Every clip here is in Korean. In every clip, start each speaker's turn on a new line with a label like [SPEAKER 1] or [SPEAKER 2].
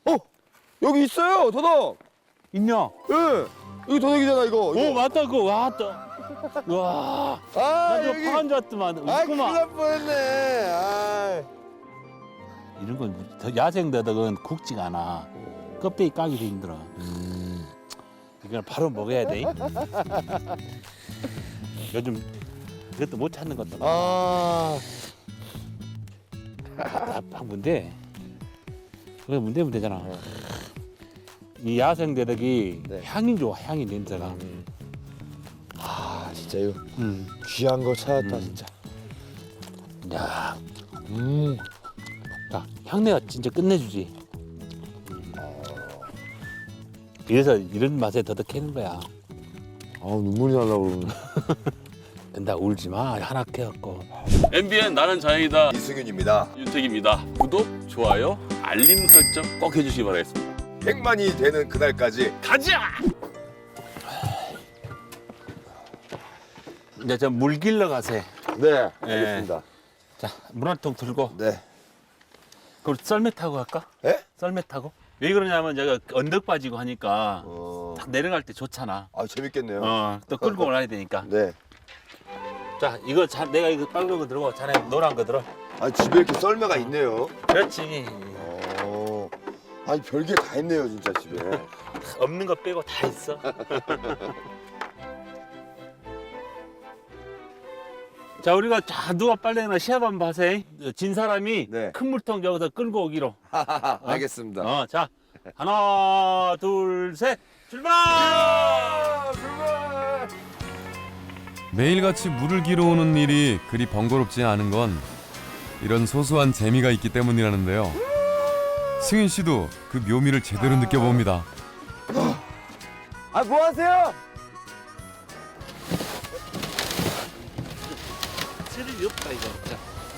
[SPEAKER 1] 여기 있어요, 도덕.
[SPEAKER 2] 있냐?
[SPEAKER 1] 예. 여기 도덕이잖아, 이거.
[SPEAKER 2] 오 맞다 그거 왔다. 와.
[SPEAKER 1] 아,
[SPEAKER 2] 나 저거
[SPEAKER 1] 여기.
[SPEAKER 2] 파간 줄 알았더만.
[SPEAKER 1] 아, 큰일
[SPEAKER 2] 있구만.
[SPEAKER 1] 날 뻔했네. 아.
[SPEAKER 2] 이런 건 더 야생 더덕은 굵지가 않아. 껍데기 까기도 힘들어. 이걸 바로 먹어야 돼. 요즘 이것도 못 찾는 것도 많아.
[SPEAKER 1] 아.
[SPEAKER 2] 딱 문제. 그게 문제잖아. 이 야생 더덕이
[SPEAKER 1] 네.
[SPEAKER 2] 향이 좋아, 향이 냄새가.
[SPEAKER 1] 아, 진짜 이거 귀한 거 찾았다, 진짜.
[SPEAKER 2] 야,
[SPEAKER 1] 음.
[SPEAKER 2] 야, 향내가 진짜 끝내주지. 그래서 이런 맛에 더덕 캐는 거야.
[SPEAKER 1] 아, 눈물이 나려고 그러네.
[SPEAKER 2] 나 울지 마. 하나 캐갖고.
[SPEAKER 3] MBN 나는 자연이다.
[SPEAKER 1] 이승윤입니다.
[SPEAKER 3] 윤택입니다. 구독, 좋아요, 알림 설정 꼭 해주시기 바라겠습니다.
[SPEAKER 1] 100만이 되는 그날까지.
[SPEAKER 3] 가자!
[SPEAKER 2] 이제 저 물 길러 가세.
[SPEAKER 1] 네, 알겠습니다.
[SPEAKER 2] 자, 물 한 통 들고.
[SPEAKER 1] 네.
[SPEAKER 2] 그럼 썰매 타고 갈까?
[SPEAKER 1] 예?
[SPEAKER 2] 썰매 타고? 왜 그러냐면 제가 언덕 빠지고 하니까 딱 내려갈 때 좋잖아.
[SPEAKER 1] 아, 재밌겠네요.
[SPEAKER 2] 또 끌고 올라야 되니까.
[SPEAKER 1] 네.
[SPEAKER 2] 자, 이거 내가 이거 빨간 거 들고 자네 노란 거 들어.
[SPEAKER 1] 아, 집에 이렇게 썰매가 있네요.
[SPEAKER 2] 그렇지.
[SPEAKER 1] 아니, 별게 다 있네요, 진짜 집에.
[SPEAKER 2] 없는 거 빼고 다 있어. 자, 우리가 누가 빨래나 시합 한번 하세. 진 사람이
[SPEAKER 1] 네.
[SPEAKER 2] 큰 물통 저기서 끌고 오기로.
[SPEAKER 1] 알겠습니다.
[SPEAKER 2] 자, 하나, 둘, 셋, 출발!
[SPEAKER 1] 출발!
[SPEAKER 4] 매일같이 물을 길어 오는 일이 그리 번거롭지 않은 건 이런 소소한 재미가 있기 때문이라는데요. 승윤 씨도 그 묘미를 제대로 느껴봅니다.
[SPEAKER 1] 아, 뭐 하세요?
[SPEAKER 2] 스릴이 없다 이거. 자.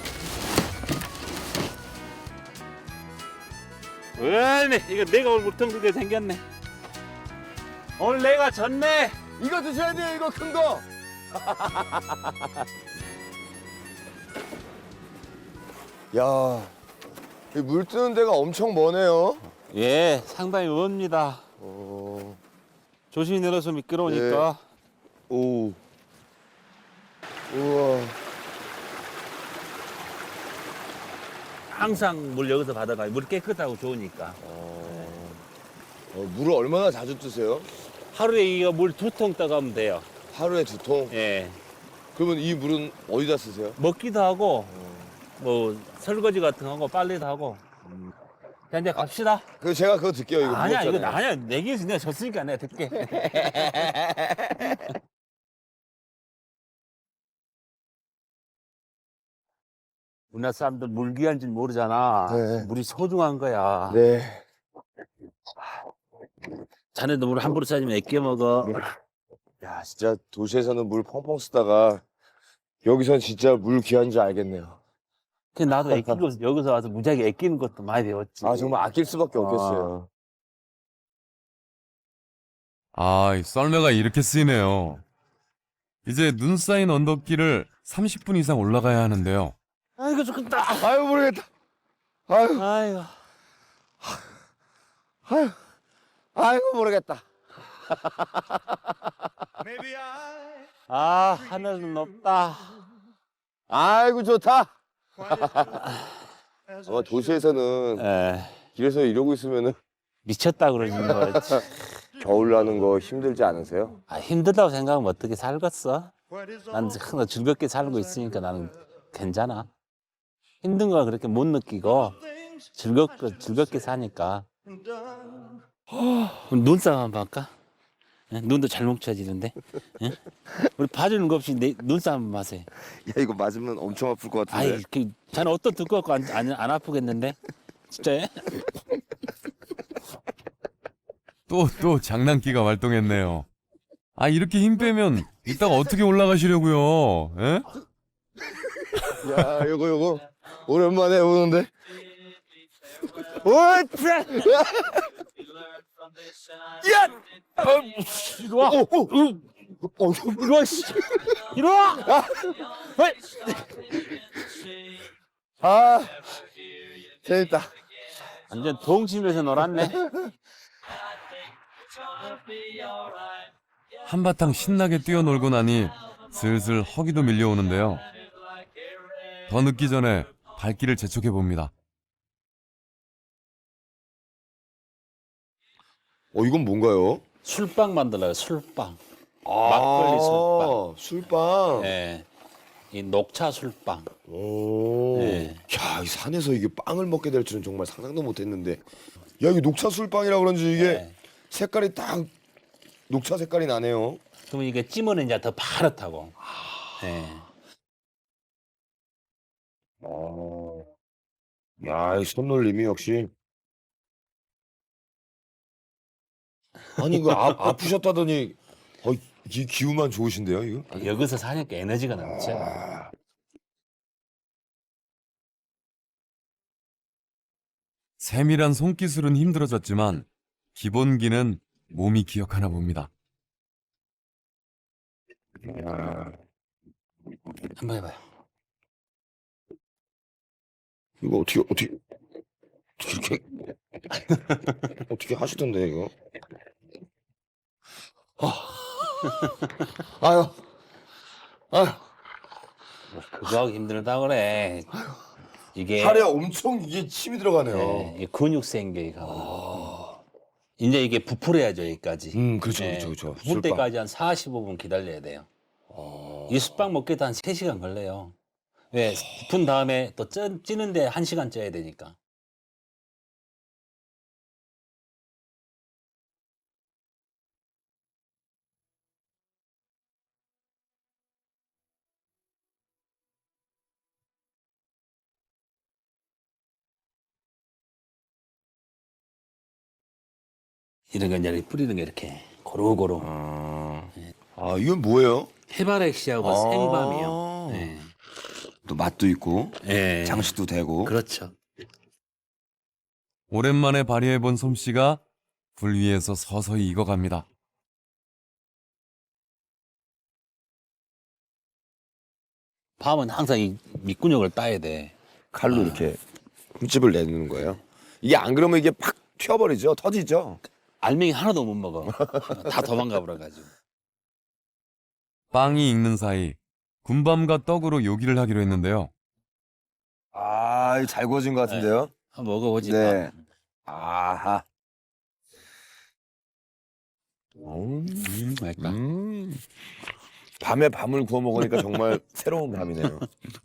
[SPEAKER 2] 왜네? 이거 내가 오늘 물통 들게 생겼네. 오늘 내가 졌네.
[SPEAKER 1] 이거 드셔야 돼요, 이거 큰 거. 야, 이 물 뜨는 데가 엄청 머네요.
[SPEAKER 2] 예, 상당히 멉니다. 조심히 내려서 미끄러우니까.
[SPEAKER 1] 오. 우와.
[SPEAKER 2] 항상 물 여기서 받아가요. 물 깨끗하고 좋으니까.
[SPEAKER 1] 물을 얼마나 자주 뜨세요?
[SPEAKER 2] 하루에 이거 물 2통 떠가면 돼요.
[SPEAKER 1] 하루에 2통?
[SPEAKER 2] 예.
[SPEAKER 1] 그러면 이 물은 어디다 쓰세요?
[SPEAKER 2] 먹기도 하고, 뭐 설거지 같은 거 하고 빨래도 하고. 자, 이제 갑시다.
[SPEAKER 1] 그 제가 그거 들게요. 이거
[SPEAKER 2] 아니야, 이거
[SPEAKER 1] 무겁잖아요.
[SPEAKER 2] 아니야. 내기에서 내가 졌으니까 내가 듣게. 우리나라 사람들 물 귀한 줄 모르잖아.
[SPEAKER 1] 네.
[SPEAKER 2] 물이 소중한 거야.
[SPEAKER 1] 네.
[SPEAKER 2] 자네도 물 함부로 싸지면 애껴 먹어.
[SPEAKER 1] 야, 진짜 도시에서는 물 펑펑 쓰다가 여기선 진짜 물 귀한 줄 알겠네요.
[SPEAKER 2] 그 나도 애끼고 여기서 와서 무지하게 애끼는 것도 많이 배웠지.
[SPEAKER 1] 아, 정말 아낄 수밖에 없겠어요.
[SPEAKER 4] 이 썰매가 이렇게 쓰이네요. 이제 눈 쌓인 언덕길을 30분 이상 올라가야 하는데요.
[SPEAKER 2] 아이고 좋겠다.
[SPEAKER 1] 아유, 모르겠다. 아유,
[SPEAKER 2] 아이고.
[SPEAKER 1] 아유, 아이고, 모르겠다.
[SPEAKER 2] 아, 하늘은 높다.
[SPEAKER 1] 아이고, 좋다. 아마 도시에서는
[SPEAKER 2] 에,
[SPEAKER 1] 길에서 이러고 있으면은
[SPEAKER 2] 미쳤다 그러지 뭐.
[SPEAKER 1] 겨울 나는 거 힘들지 않으세요?
[SPEAKER 2] 아, 힘들다고 생각하면 어떻게 살겠어? 난 항상 즐겁게 살고 있으니까 나는 괜찮아. 힘든 거 그렇게 못 느끼고 즐겁게 사니까. 그럼 눈싸움 한번 할까? 응? 눈도 잘 뭉쳐지는데. 응? 우리 봐주는 거 없이 눈싸움 한번 하세요.
[SPEAKER 1] 야, 이거 맞으면 엄청 아플 것 같은데.
[SPEAKER 2] 아이, 자네 어떤 듣고 갖고 안 아프겠는데? 진짜?
[SPEAKER 4] 또 장난기가 활동했네요. 이렇게 힘 빼면 이따가 어떻게 올라가시려고요? 예?
[SPEAKER 1] 야, 요거 오랜만에 오는데. 오, 짜! 야!
[SPEAKER 2] 이리 와! 이리 와, 씨! 이리 와!
[SPEAKER 1] 아, 재밌다.
[SPEAKER 2] 완전 동심에서 놀았네.
[SPEAKER 4] 한바탕 신나게 뛰어놀고 나니 슬슬 허기도 밀려오는데요. 더 늦기 전에 발길을 재촉해 봅니다.
[SPEAKER 1] 이건 뭔가요?
[SPEAKER 2] 술빵 만들어요. 술빵.
[SPEAKER 1] 아,
[SPEAKER 2] 막걸리
[SPEAKER 1] 술빵.
[SPEAKER 2] 예. 이 녹차 술빵.
[SPEAKER 1] 오.
[SPEAKER 2] 네.
[SPEAKER 1] 야, 이 산에서 이게 빵을 먹게 될 줄은 정말 상상도 못했는데. 야, 이게 녹차 술빵이라 그런지 이게
[SPEAKER 2] 네.
[SPEAKER 1] 색깔이 딱 녹차 색깔이 나네요.
[SPEAKER 2] 그러면 이게 찌면 이제 더 파랗다고. 예.
[SPEAKER 1] 야, 이 손놀림이 역시. 아니, 이거 아프셨다더니, 이 기운만 좋으신데요, 이거?
[SPEAKER 2] 여기서 사니까 에너지가 넘쳐.
[SPEAKER 4] 세밀한 손기술은 힘들어졌지만 기본기는 몸이 기억하나 봅니다.
[SPEAKER 2] 한번 해봐요.
[SPEAKER 1] 이거 어떻게 이렇게 어떻게 하시던데 이거? 아유, 아유,
[SPEAKER 2] 그거 하기 힘들다 그래. 이게
[SPEAKER 1] 팔에 엄청 이게 침이 들어가네요.
[SPEAKER 2] 예, 이 근육 생겨이 가면. 이제 이게 부풀어야죠 여기까지.
[SPEAKER 1] 그렇죠,
[SPEAKER 2] 예,
[SPEAKER 1] 그렇죠.
[SPEAKER 2] 부풀
[SPEAKER 1] 술빵.
[SPEAKER 2] 때까지 한 45분 기다려야 돼요. 이 술빵 먹기도 한 3시간 걸려요. 왜? 부푼 다음에 또 찌는데 1시간 쪄야 되니까. 이런 거 이제 뿌리는 게 이렇게 고루고루.
[SPEAKER 1] 이건 뭐예요?
[SPEAKER 2] 해바라기씨하고
[SPEAKER 1] 아.
[SPEAKER 2] 생밤이요. 예.
[SPEAKER 1] 또 맛도 있고
[SPEAKER 2] 예.
[SPEAKER 1] 장식도 되고.
[SPEAKER 2] 그렇죠.
[SPEAKER 4] 오랜만에 발휘해본 솜씨가 불 위에서 서서히 익어갑니다.
[SPEAKER 2] 밤은 항상 이 밑근육을 따야 돼.
[SPEAKER 1] 칼로 이렇게 흠집을 내는 거예요. 이게 안 그러면 이게 팍 튀어버리죠, 터지죠.
[SPEAKER 2] 알맹이 하나도 못 먹어. 다 도망가 버려가지고.
[SPEAKER 4] 빵이 익는 사이 군밤과 떡으로 요기를 하기로 했는데요.
[SPEAKER 1] 잘 구워진 것 같은데요.
[SPEAKER 2] 한번 먹어보지.
[SPEAKER 1] 네.
[SPEAKER 2] 밤.
[SPEAKER 1] 아하.
[SPEAKER 2] 맛있다.
[SPEAKER 1] 밤에 밤을 구워 먹으니까 정말 새로운 밤이네요.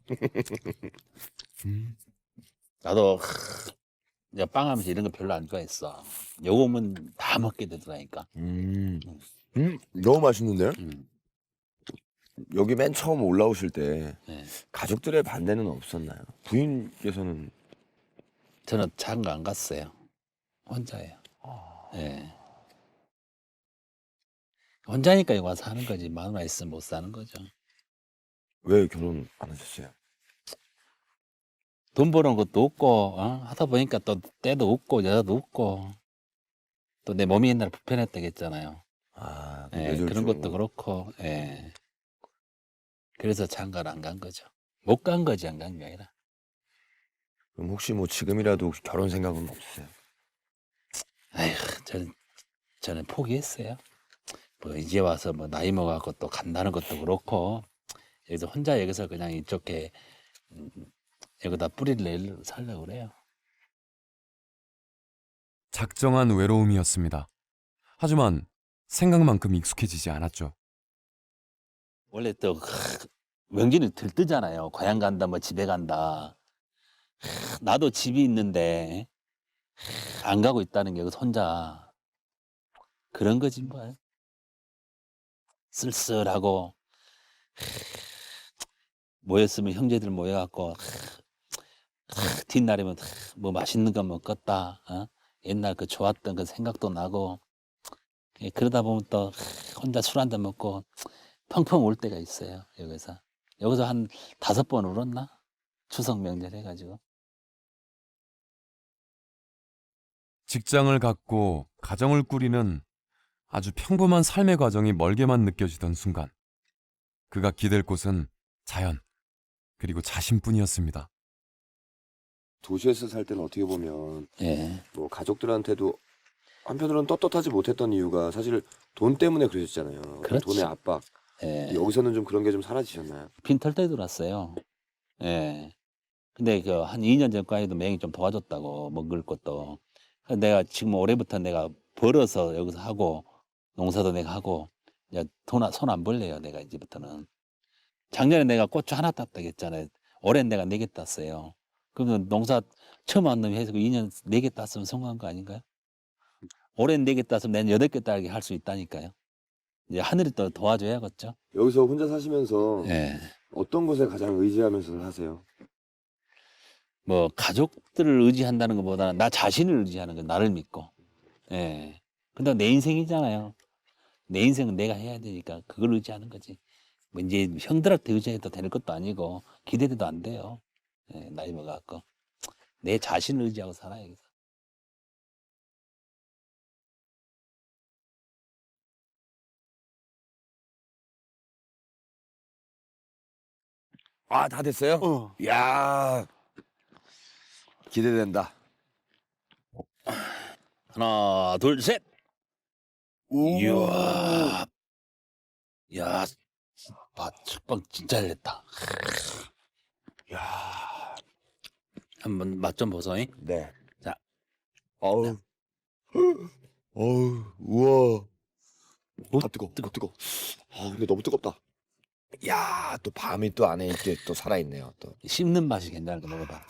[SPEAKER 2] 나도 이제 빵 하면서 이런 거 별로 안 좋아했어. 요거면 다 먹게 되더라니까.
[SPEAKER 1] 너무 맛있는데요?
[SPEAKER 2] 음.
[SPEAKER 1] 여기 맨 처음 올라오실 때
[SPEAKER 2] 네.
[SPEAKER 1] 가족들의 반대는 없었나요? 부인께서는
[SPEAKER 2] 저는 장가 안 갔어요. 혼자예요. 예. 혼자니까 여기 와서 하는 거지. 마누라 있으면 못 사는 거죠.
[SPEAKER 1] 왜 결혼 안 하셨어요?
[SPEAKER 2] 돈 버는 것도 없고, 하다 보니까 또 때도 없고, 여자도 없고, 또 내 몸이 옛날에 불편했다고 했잖아요. 예,
[SPEAKER 1] 뇌졸중.
[SPEAKER 2] 그런 것도 그렇고, 예. 그래서 장가를 안 간 거죠. 못 간 거지, 안 간 게 아니라.
[SPEAKER 1] 그럼 혹시 뭐 지금이라도 결혼 생각은 없으세요?
[SPEAKER 2] 아휴, 저는 포기했어요. 뭐 이제 와서 뭐 나이 먹어갖고 또 간다는 것도 그렇고, 여기서 혼자 여기서 그냥 이쪽에, 여기다 뿌리를 내려 살려고 그래요.
[SPEAKER 4] 작정한 외로움이었습니다. 하지만 생각만큼 익숙해지지 않았죠.
[SPEAKER 2] 원래 또 명절이 들뜨잖아요. 고향 간다, 뭐 집에 간다. 나도 집이 있는데 안 가고 있다는 게 여기서 혼자 그런 거지 뭐. 쓸쓸하고 모였으면 형제들 모여갖고 뒷날이면 뭐 맛있는 거 먹었다. 옛날 그 좋았던 그 생각도 나고 그러다 보면 또 혼자 술 한잔 먹고 펑펑 울 때가 있어요. 여기서 한 5번 울었나? 추석 명절 해가지고.
[SPEAKER 4] 직장을 갖고 가정을 꾸리는 아주 평범한 삶의 과정이 멀게만 느껴지던 순간 그가 기댈 곳은 자연 그리고 자신뿐이었습니다.
[SPEAKER 1] 도시에서 살 때는 어떻게 보면
[SPEAKER 2] 예.
[SPEAKER 1] 뭐 가족들한테도 한편으로는 떳떳하지 못했던 이유가 사실 돈 때문에 그러셨잖아요.
[SPEAKER 2] 그렇지.
[SPEAKER 1] 돈의 압박.
[SPEAKER 2] 예.
[SPEAKER 1] 여기서는 좀 그런 게 좀 사라지셨나요?
[SPEAKER 2] 빈털 때 들어왔어요. 예. 근데 그 한 2년 전까지도 맹이 좀 도와줬다고 먹을 것도. 그래서 내가 지금 올해부터 내가 벌어서 여기서 하고 농사도 내가 하고 이제 손 안 벌려요. 내가 이제부터는. 작년에 내가 고추 하나 땄다고 했잖아요. 올해는 내가 4개 땄어요. 그러면 농사 처음 한 놈이 해서 2년 4개 땄으면 성공한 거 아닌가요? 올해는 4개 땄으면 내년 8개 따게 할 수 있다니까요. 이제 하늘이 또 도와줘야겠죠.
[SPEAKER 1] 여기서 혼자 사시면서
[SPEAKER 2] 예.
[SPEAKER 1] 어떤 것에 가장 의지하면서 사세요?
[SPEAKER 2] 뭐 가족들을 의지한다는 것보다는 나 자신을 의지하는 거, 나를 믿고. 예. 근데 내 인생이잖아요. 내 인생은 내가 해야 되니까 그걸 의지하는 거지. 뭐 이제 형들한테 의지해도 될 것도 아니고 기대돼도 안 돼요. 예, 나이 먹어갖고 내 자신을 의지하고 살아야 겠어.
[SPEAKER 1] 아, 다 됐어요? 야 기대된다.
[SPEAKER 2] 하나, 둘, 셋. 이야, 야, 첫방 진짜 잘 됐다.
[SPEAKER 1] 야
[SPEAKER 2] 한번 맛 좀 보소잉.
[SPEAKER 1] 네.
[SPEAKER 2] 자.
[SPEAKER 1] 어우. 어우, 우와. 아, 뜨거. 아, 근데 너무 뜨겁다. 야, 또 밤이 또 안에 이렇게 또 살아있네요. 또.
[SPEAKER 2] 씹는 맛이 괜찮은 거 먹어봐.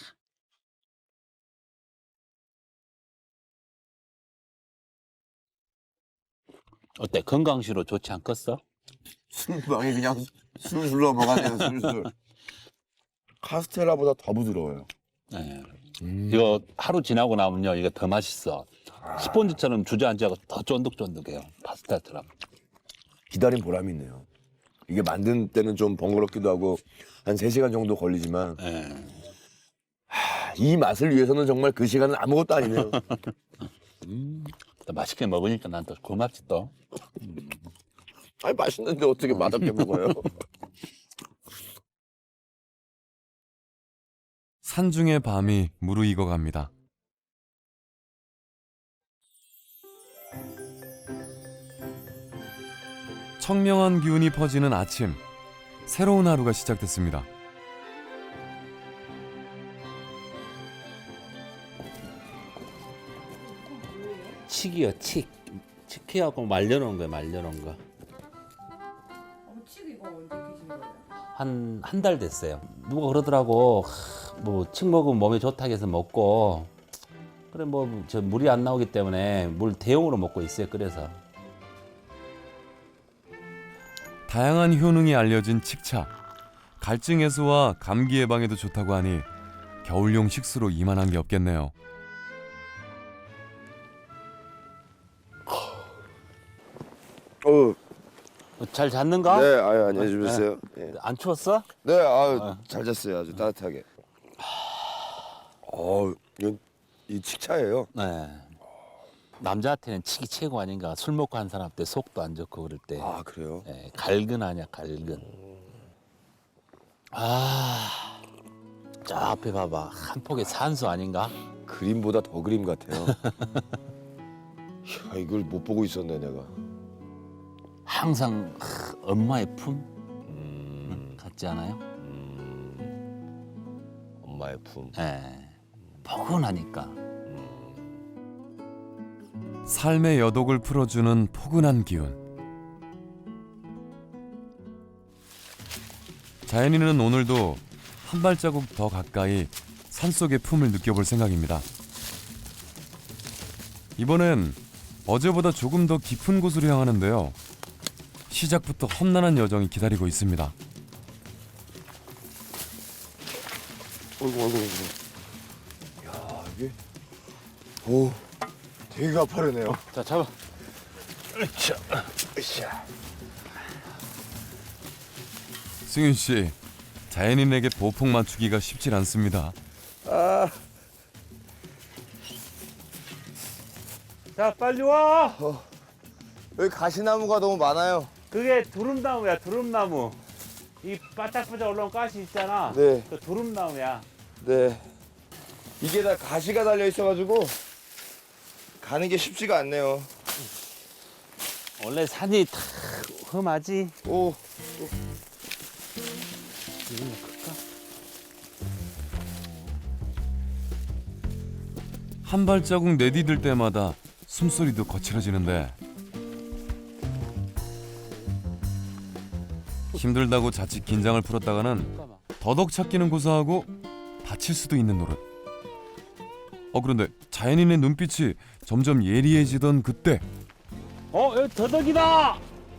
[SPEAKER 2] 어때? 건강식으로 좋지 않겠어?
[SPEAKER 1] 술방이 그냥 술술 넘어가네요, 술술. 카스텔라보다 더 부드러워요.
[SPEAKER 2] 네. 이거 하루 지나고 나면요, 이거 더 맛있어. 스폰지처럼 주저앉아서 더 쫀득쫀득해요. 파스타처럼.
[SPEAKER 1] 기다린 보람이 있네요. 이게 만든 때는 좀 번거롭기도 하고 한 3시간 정도 걸리지만
[SPEAKER 2] 네.
[SPEAKER 1] 이 맛을 위해서는 정말 그 시간은 아무것도 아니네요.
[SPEAKER 2] 또 맛있게 먹으니까 난 또 고맙지 또.
[SPEAKER 1] 아니, 맛있는데 어떻게 맛없게 먹어요?
[SPEAKER 4] 산중의 밤이 무르익어 갑니다. 청명한 기운이 퍼지는 아침, 새로운 하루가 시작됐습니다.
[SPEAKER 2] 칡이요, 칡. 칡해갖고 말려놓은 거예요, 말려놓은 거.
[SPEAKER 5] 칡 이거 언제 드신 거예요?
[SPEAKER 2] 한 달 됐어요. 누가 그러더라고, 뭐 칡 먹으면 몸에 좋다고 해서 먹고, 그래 뭐 저 물이 안 나오기 때문에 물 대용으로 먹고 있어요. 그래서.
[SPEAKER 4] 다양한 효능이 알려진 칡차. 갈증 해소와 감기 예방에도 좋다고 하니 겨울용 식수로 이만한 게 없겠네요.
[SPEAKER 2] 잘 잤는가?
[SPEAKER 1] 네, 아유, 안녕히 주무세요. 네,
[SPEAKER 2] 안 추웠어?
[SPEAKER 1] 네, 아유, 잘 잤어요. 아주 따뜻하게. 이건 이 칡차예요.
[SPEAKER 2] 네. 남자한테는 칡이 최고 아닌가. 술 먹고 한 사람한테 속도 안 좋고 그럴 때.
[SPEAKER 1] 아, 그래요?
[SPEAKER 2] 예, 갈근 아니야, 갈근. 아, 저 앞에 봐봐. 한 폭의 산수 아닌가?
[SPEAKER 1] 그림보다 더 그림 같아요. 이야, 이걸 못 보고 있었네, 내가.
[SPEAKER 2] 항상 엄마의 품 같지 않아요?
[SPEAKER 1] 엄마의 품.
[SPEAKER 2] 예. 포근하니까.
[SPEAKER 4] 삶의 여독을 풀어주는 포근한 기운. 자연이는 오늘도 한 발자국 더 가까이 산속의 품을 느껴볼 생각입니다. 이번엔 어제보다 조금 더 깊은 곳으로 향하는데요. 시작부터 험난한 여정이 기다리고 있습니다.
[SPEAKER 1] 어이구. 야, 이게. 오, 되게 가파르네요.
[SPEAKER 2] 자, 잡아.
[SPEAKER 1] 으쌰.
[SPEAKER 4] 승윤 씨, 자연인에게 보폭 맞추기가 쉽질 않습니다.
[SPEAKER 6] 자, 빨리 와.
[SPEAKER 1] 여기 가시나무가 너무 많아요.
[SPEAKER 6] 그게 두릅나무야, 두릅나무. 이 바짝바짝 올라온 가시 있잖아.
[SPEAKER 1] 네.
[SPEAKER 6] 그 두릅나무야.
[SPEAKER 1] 네. 이게 다 가시가 달려 있어가지고 가는 게 쉽지가 않네요.
[SPEAKER 2] 원래 산이 다 험하지.
[SPEAKER 1] 오,
[SPEAKER 2] 이거 클까?
[SPEAKER 4] 한 발자국 내디딜 때마다 숨소리도 거칠어지는데 힘들다고 자칫 긴장을 풀었다가는
[SPEAKER 2] 잠깐만.
[SPEAKER 4] 더덕 찾기는 고사하고 다칠 수도 있는 노릇. 그런데 자연인의 눈빛이 점점 예리해지던 그때
[SPEAKER 2] 여기 더덕이다.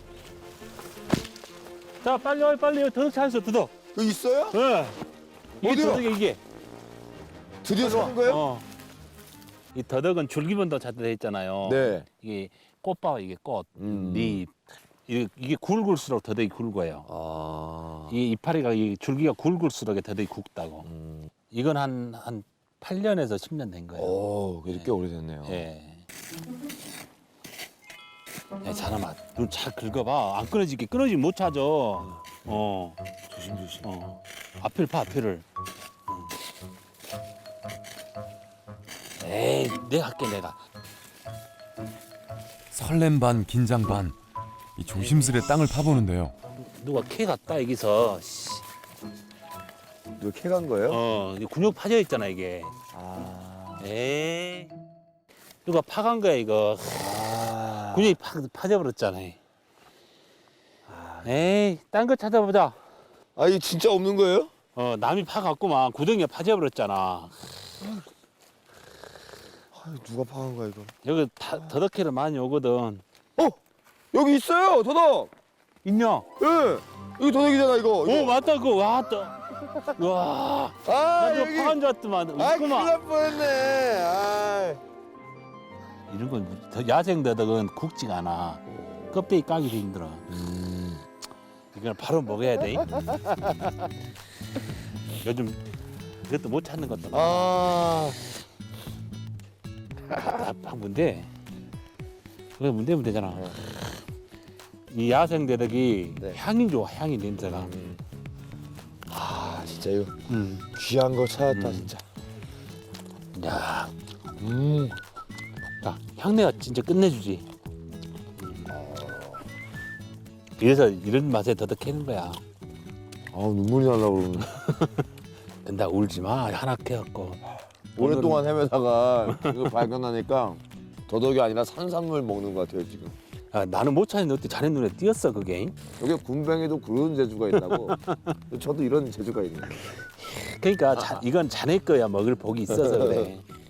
[SPEAKER 2] 자, 빨리 와, 빨리. 여기 더덕 찾았어, 더덕.
[SPEAKER 1] 여기 있어요?
[SPEAKER 2] 예. 이게
[SPEAKER 1] 어디요?
[SPEAKER 2] 더덕이야, 이게.
[SPEAKER 1] 드디어 찾은 거예요?
[SPEAKER 2] 이 더덕은 줄기본도 찾다 있잖아요.
[SPEAKER 1] 네.
[SPEAKER 2] 이게 꽃봐, 이게 꽃,
[SPEAKER 1] 음.
[SPEAKER 2] 잎. 이게 굵을수록 더덕이 굵어요.
[SPEAKER 1] 아.
[SPEAKER 2] 이 이파리가 이 줄기가 굵을수록 더덕이 굵다고. 이건 한 8년에서 10년 된 거예요.
[SPEAKER 1] 오, 그래도 꽤 오래됐네요.
[SPEAKER 2] 예. 야, 자나마, 눈 잘 긁어봐. 안 끊어지게. 끊어지면 못 찾아.
[SPEAKER 1] 조심조심.
[SPEAKER 2] 앞을 봐, 앞을. 에이, 내가 할게, 내가.
[SPEAKER 4] 설렘 반 긴장 반 이 조심스레 땅을 파보는데요.
[SPEAKER 2] 누가 캐 갔다, 여기서. 씨.
[SPEAKER 1] 이거 캐간 거예요?
[SPEAKER 2] 이게 근육 파져 있잖아, 이게.
[SPEAKER 1] 아.
[SPEAKER 2] 에이. 누가 파간 거야, 이거.
[SPEAKER 1] 아.
[SPEAKER 2] 근육이 파져버렸잖아. 에이, 딴 거 찾아보자.
[SPEAKER 1] 아, 이게 진짜 없는 거예요?
[SPEAKER 2] 남이 파갖고만 구덩이가 파져버렸잖아.
[SPEAKER 1] 아, 누가 파간 거야, 이거?
[SPEAKER 2] 여기 더덕캐를 많이 오거든.
[SPEAKER 1] 여기 있어요, 더덕!
[SPEAKER 2] 있냐?
[SPEAKER 1] 예! 여기 더덕이잖아, 이거.
[SPEAKER 2] 오, 맞다, 그거. 와, 또. 와,
[SPEAKER 1] 아,
[SPEAKER 2] 나 저거
[SPEAKER 1] 여기.
[SPEAKER 2] 파간 줄 알았더만.
[SPEAKER 1] 아, 큰일
[SPEAKER 2] 있구만.
[SPEAKER 1] 날 뻔했네. 아.
[SPEAKER 2] 이런 건 야생 더덕은 굵지가 않아. 껍데기 까기도 힘들어. 이걸 바로 먹어야 돼. 요즘 이것도 못 찾는 것도 많아.
[SPEAKER 1] 아.
[SPEAKER 2] 답답한 문제. 그게 문제잖아. 이 야생 더덕이
[SPEAKER 1] 네.
[SPEAKER 2] 향이 좋아, 향이 냄새가.
[SPEAKER 1] 아, 진짜 이거
[SPEAKER 2] 음.
[SPEAKER 1] 귀한 거 찾았다, 진짜.
[SPEAKER 2] 야, 야, 향내가 진짜 끝내주지. 그래서 이런 맛에 더덕 캐는 거야.
[SPEAKER 1] 아, 눈물이 나려고 그러네.
[SPEAKER 2] 근데 울지 마. 하나 캐갖고.
[SPEAKER 1] 오랫동안 헤매다가 이거 발견하니까 더덕이 아니라 산산물 먹는 것 같아요, 지금.
[SPEAKER 2] 야, 나는 못 찾는데 어떻게 자네 눈에 띄었어, 그게?
[SPEAKER 1] 여기 군뱅이도 그런 재주가 있다고. 저도 이런 재주가 있네요.
[SPEAKER 2] 그러니까 이건 자네 거야. 먹을 복이 있어서 그래.